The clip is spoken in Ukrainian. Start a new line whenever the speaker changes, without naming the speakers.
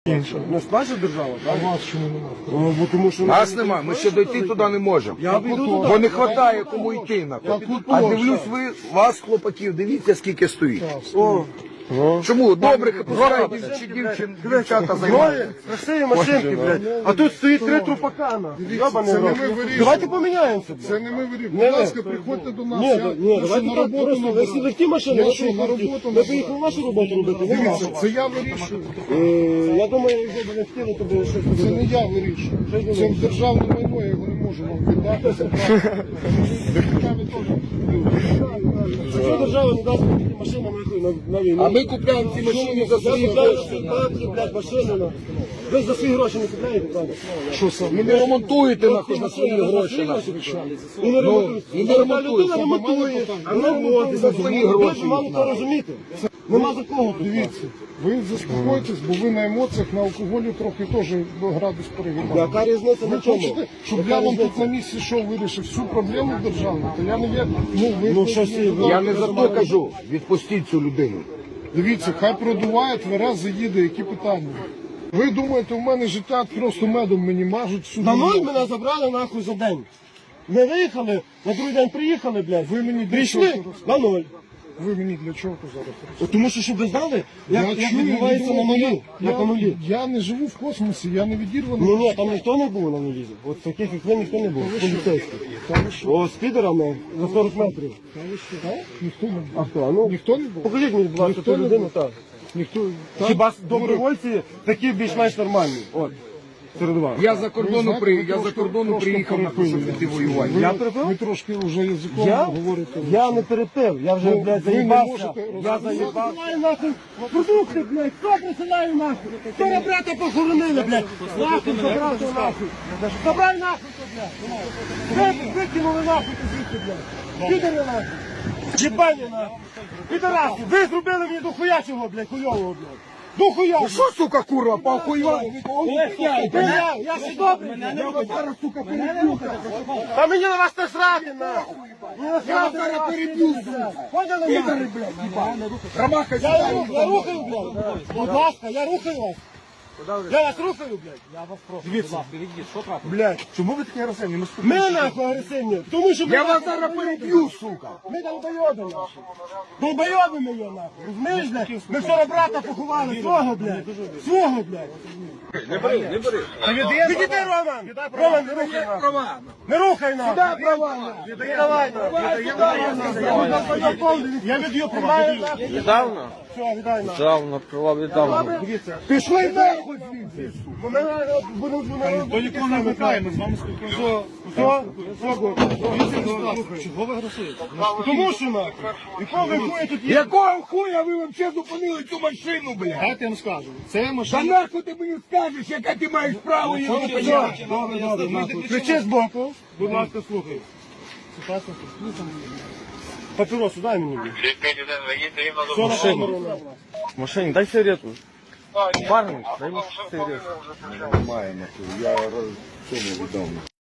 Не сплачує держава?
А вас чому немає?
Бо тому що
Нас нема, ми ще дойти туди не можемо.
Я піду туди.
Бо не вистачає кому йти. А дивлюсь, ви, вас, хлопаків, дивіться, скільки стоїть.
О,
Чому? Добрих, пускай дівчата займаються.
красиві машинки, блядь. А тут стоїть 3 трупакана. Йобаний
це не
рот.
ми вирішуємо.
Давайте поміняємося.
Це не ми вирішуємо.
Не
Будь
ви.
ласка, приходьте до нас.
Ні,
Я
давайте
що, на
так
роботу
просто. Ви
набираю.
всі легкі машини,
Я що, на роботу
ви
набираю?
поїхали вашу роботу робити, не
Дивіться,
нашу.
це я вирішую.
Я думаю, якщо б не хотіли, то би щось
Це не
робили.
я вирішую. Це державне майно, я його не можу вам віддати. Забрати. Депутатами теж.
Якщо держава не дасть такі машини, нахуй, на війну.
А ми купляємо ці машини за свої гроші.
Блядь, машини, нахуй. Ви за свої гроші не купляєте, правда?
Що саме? Ви не ремонтуєте нахуй за свої гроші.
І не ремонтують.
і не ремонтують.
Людина ремонтує, а не ремонтує за свої гроші. Ви мали то розуміти. Нема за кого тут.
Дивіться, ви заспокойтесь, бо ви на емоціях, на алкоголі трохи теж градус перегибаєте.
Яка різниця
Ви
на чому?
хочете, щоб я вам тут на місці що вирішив всю проблему державну? То я не вірю.
Ну, що всі,
Я не за то кажу, відпустіть цю людину.
Дивіться, хай продуває, тверез заїде, які питання. Ви думаєте, у мене життя просто медом мені мажуть всю
На
дорогу?
ноль мене забрали нахуй за день. Ми виїхали, на другий день приїхали, блядь.
Ви мені для
прийшли
чого
на ноль.
Ви мені для чого зараз розповідаєте?
Тому що, щоб ви знали, як
чую,
відбувається на нулі. Як на нулі.
Я не живу в космосі, я не відірваний.
Ні, там ніхто не був на нулі. От таких, як ви, ніхто не був. Поліцейських. О, з підерами за 40 метрів.
Ніхто не був.
А хто? Ну,
Ніхто не був?
покажіть мені, будь ласка,
Ніхто
ту
не
людину,
був?
так.
Ніхто.
Хіба добровольці такі більш-менш нормальні? От, серед вас.
Я за кордону
трошки
приїхав на те, щоб піти воювати.
Я перепив?
Ви трошки вже язиком
Я?
говорите.
Я не перепив, я вже,
Ну,
блядь,
ви не
заїбався.
можете
Я заїбався. Присилаю нахуй продукти, блядь, хто присилає нахуй? Вчора брата похоронили, блядь. Нахуй забрав то нахуй. Забрай нахуй то, блядь. Викинули нахуй то звідси, блядь. Підери нахуй. Єбані нахуй. Підараси, ви зробили мені до хуячого, блядь, хуйового, блядь. До хуйового.
Що, сука, курва, похуйва?
Я ще добрий. Та мені на вас не срати, нахуй. Мені не срати, поняли, нахуй?
Ромаха,
Я рухаю, блядь. Будь ласка, я рухаю вас. Я вас рухаю, блядь. Я вас прошу. Дивіться, блядь.
чому ви такі агресивні?
Ми нахуй агресивні. Тому що ми
Я вас зараз переб'ю, сука.
Ми долбойоби нахуй. Долбойоби ми його нахуй. Розумієш, блядь? Ми вчора брата поховали. Свого, блядь. Свого, блядь.
Не бери.
Відійди, Роман. Роман, не рухай нахуй. Не рухай нахуй.
Дай права.
Віддавай нахуй. Я від'ю приймаю нахуй.
Недавно?
Все, віддай нахуй.
Недавно, права віддавно.
Дивіться.
Пішли нахуй звідси.
Ми будемо
До нікого не викликаємо, з вами спілкуємося.
Чого ви агресуєте? Тому що нахуй. Якого ви хуя тут є?
Якого хуя ви взагалі зупинили цю машину, блядь?
Дайте я вам скажу. Це
Та
машина.
нахуй ти мені скажеш, яке ти маєш право її зупиняти?
Добре, нахуй. Кричи збоку. Будь ласка, слухай. Папіросу дай мені. Все на камеру, нахуй.
В машині, дай сигарету. Парник, дай мені сигарету.
Немає, нахуй, я цьому відомо.